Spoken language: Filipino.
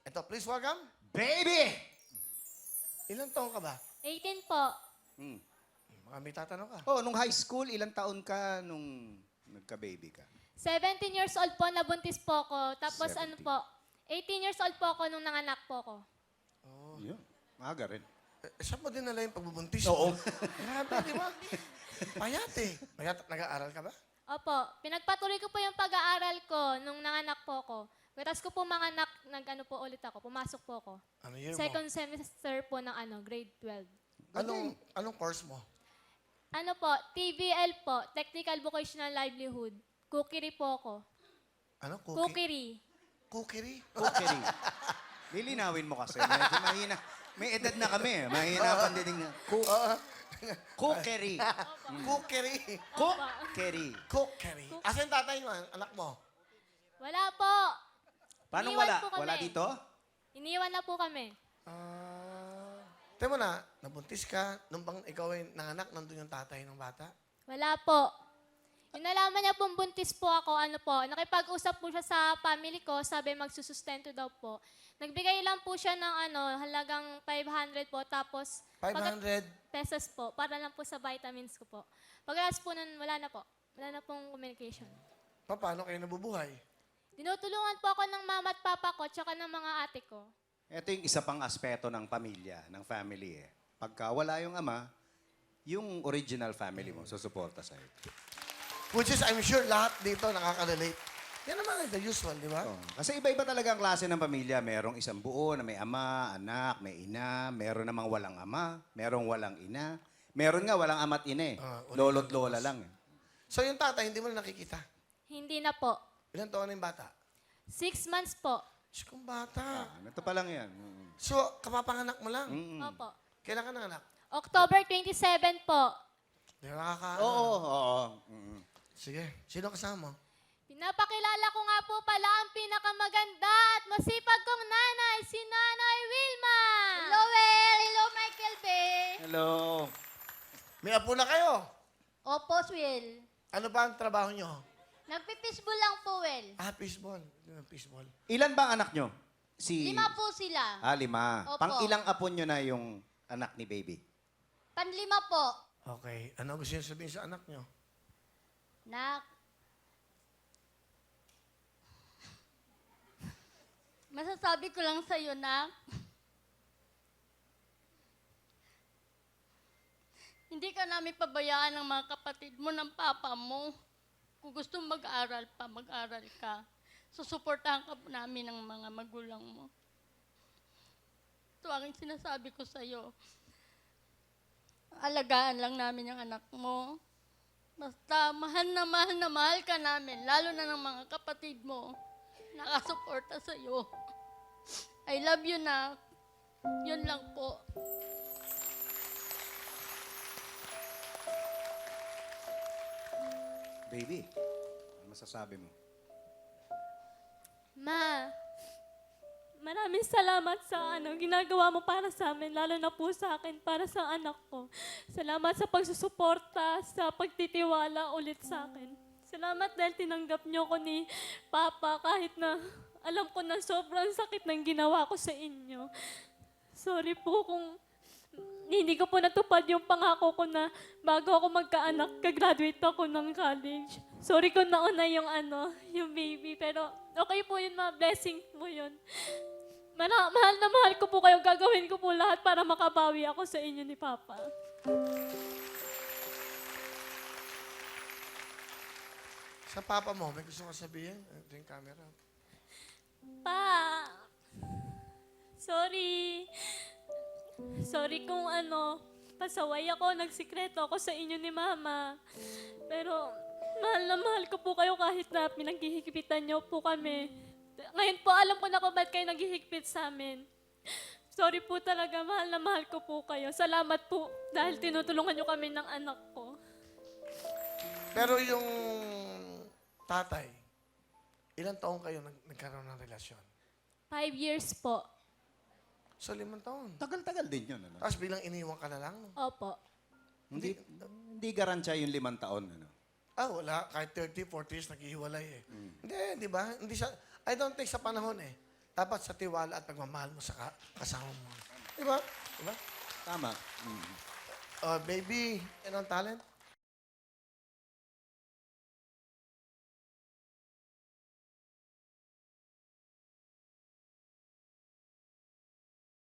Ito, please welcome. Baby! Ilang taon ka ba? 18 po. Mga may tatanong ka. Oh, nung high school, ilang taon ka nung nagka-baby ka? 17 years old po, nabuntis po ako. Tapos 17. ano po, 18 years old po ako nung nanganak po ako. Yun. Maaga rin. Saan mo dinala yung pagbubuntis? Oo. Grabe, di ba? Payat eh. Payat, nag-aaral ka ba? Opo, pinagpatuloy ko po yung pag-aaral ko nung nanganak po ako. Tapos ko po manganak, nag-ano po ulit ako, pumasok po ako. Ano year mo? Second semester po ng grade 12. Anong course mo? Ano po, TVL po, Technical Vocational Livelihood. Cookery po ako. Ano? Cookery. Cookery? Cookery. Lilinawin mo kasi. Medyo mahina. May edad na kami. Mahina pa din. Cookery. Cookery. Cookery. Cookery. Asan tatay mo, anak mo? Wala po. Paano Iniwan wala? po kami. Wala dito? Iniwan na po kami. Tingnan mo na, nabuntis ka, nung bang ikaw ay nanganak, nandun yung tatay ng bata? Wala po. Yung nalaman niya pong buntis po ako, nakipag-usap po siya sa family ko, sabi magsusustento daw po. Nagbigay lang po siya ng halagang 500 po, tapos 500? pesos po, para lang po sa vitamins ko po. Pagkatapos po nun, wala na po. Wala na pong communication. Paano kayo nabubuhay? Dinutulungan po ako ng mama at papa ko, tsaka ng mga ate ko. Ito yung isa pang aspeto ng pamilya, ng family eh. Pagka wala yung ama, yung original family mo susuporta sa'yo. Which is, I'm sure lahat dito nakaka-relate. Yan naman the usual, di ba? Oh, kasi iba-iba talaga ang klase ng pamilya. Merong isang buo na may ama, anak, may ina. Meron namang walang ama, merong walang ina. Meron nga walang ama't ina eh. Lolo't lola lang eh. So yung tatay, hindi mo na nakikita. Hindi na po. Ilan taon na yung bata? 6 months po. Diyos kong bata. Ito pa lang yan. So, kapapanganak mo lang. Opo. Kailan ka nanganak? October 27 po. Di ba Oo. Sige, sino kasama mo? Pinapakilala ko nga po pala ang pinakamaganda at masipag kong nanay, si Nanay Wilma. Hello, Well. Hello, Michael Bay. Hello. May apo na kayo. Opo, Will. Ano ba ang trabaho nyo? Nagpipisbol lang po, Well. Fishball. Fishball. Ilan ba ang anak nyo? 5 po sila. 5. Opo. Pang ilang apo nyo na yung anak ni baby? Panlima po. Okay. Ano gusto nyo sabihin sa anak nyo? Nak. Masasabi ko lang sa'yo, Nak. Hindi ka namin pabayaan ng mga kapatid mo ng papa mo. Kung gusto mong mag-aral pa, mag-aral ka. Susuportahan ka po namin ng mga magulang mo. Ito ang sinasabi ko sa'yo. Alagaan lang namin yung anak mo. Basta mahal na mahal ka namin, lalo na ng mga kapatid mo. Nakasuporta sa'yo. I love you, Nak. Yun lang po. Baby, ano masasabi mo? Ma, maraming salamat sa ginagawa mo para sa amin, lalo na po sa akin, para sa anak ko. Salamat sa pagsusuporta, sa pagtitiwala ulit sa akin. Salamat dahil tinanggap niyo ko ni Papa kahit na alam ko na sobrang sakit ng ginawa ko sa inyo. Sorry po kung hindi ko po natupad yung pangako ko na bago ako magkaanak, kagraduate ako ng college. Sorry kung nauna yung baby, pero okay po yun, ma. Blessing mo yun. Mahal na mahal ko po kayo. Gagawin ko po lahat para makabawi ako sa inyo ni Papa. Sa papa mo, may gusto ka sabihin? Ito yung camera. Pa, sorry. Sorry kung pasaway ako, nagsikreto ako sa inyo ni Mama. Pero mahal na mahal ko po kayo kahit na pinaghihigpitan niyo po kami. Ngayon po, alam ko na kung ba't kayo naghihigpit sa amin. Sorry po talaga, mahal na mahal ko po kayo. Salamat po dahil tinutulungan niyo kami ng anak ko. Pero yung tatay, ilang taon kayo nagkaroon ng relasyon? 5 years po. So, 5 taon. Tagal-tagal din yun. Ano? Tapos bilang iniwan ka na lang. No? Opo. Hindi garantiya yung 5 taon. Ano? Wala. Kahit 30, 40 years, naghihiwalay eh. Hindi, di ba? Hindi siya, I don't think sa panahon eh. dapat sa tiwala at pagmamahal mo sa kasama mo. Di ba? Di ba? Tama. Mm. Baby, ano ang talent?